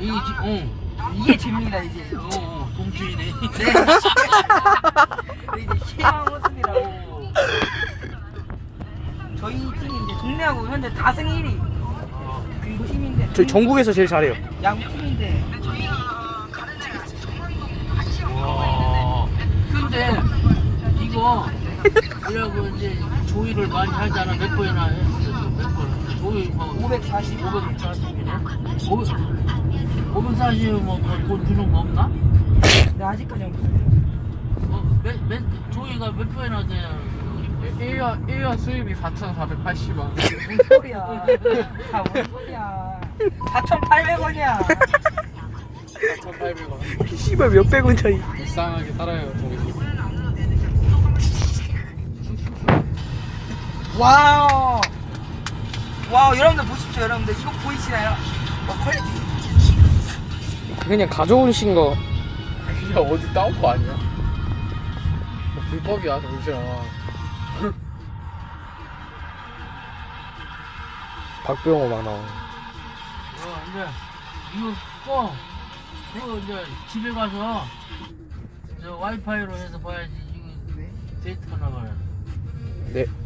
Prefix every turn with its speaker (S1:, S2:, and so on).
S1: 이게 재미다 이제.
S2: 동주이네.
S1: 네. 이제 희망 모습이라고. 저희 팀이 이제 동네하고 현재 다승 1위. 그 팀인데.
S3: 저희 전국에서 제일 잘해요.
S1: 야구 팀인데.
S2: 와. 근데 이거 뭐라고 이제 조의를 많이 하잖아. 몇 번이나 했어. 몇 번. 조의 뭐
S1: 540.
S2: 540이네. 540 뭐돈 주는 거 없나?
S1: 네, 아직까지 없어요.
S2: 조의가 몇 번이나 돼?
S4: 1년 수입이 4,480원.
S1: 무슨 소리야. 다 뭔 소리야. 4,800원이야.
S4: 4,800원.
S3: 씨발 몇백 원 차이.
S4: 불쌍하게 살아요, 저기 집.
S1: 와우. 와우, 여러분들 보십시오. 여러분들 이거 보이시나요? 와, 퀄리티.
S3: 그냥 가져오신 거.
S4: 그냥 어디 따온 거 아니야? 뭐 불법이야, 정신아.
S3: 박병호 막 나오네.
S2: 이제 이거 꺼. 이거 이제 집에 가서 저 와이파이로 해서 봐야지. 이거 데이트가 나가요.
S3: 네.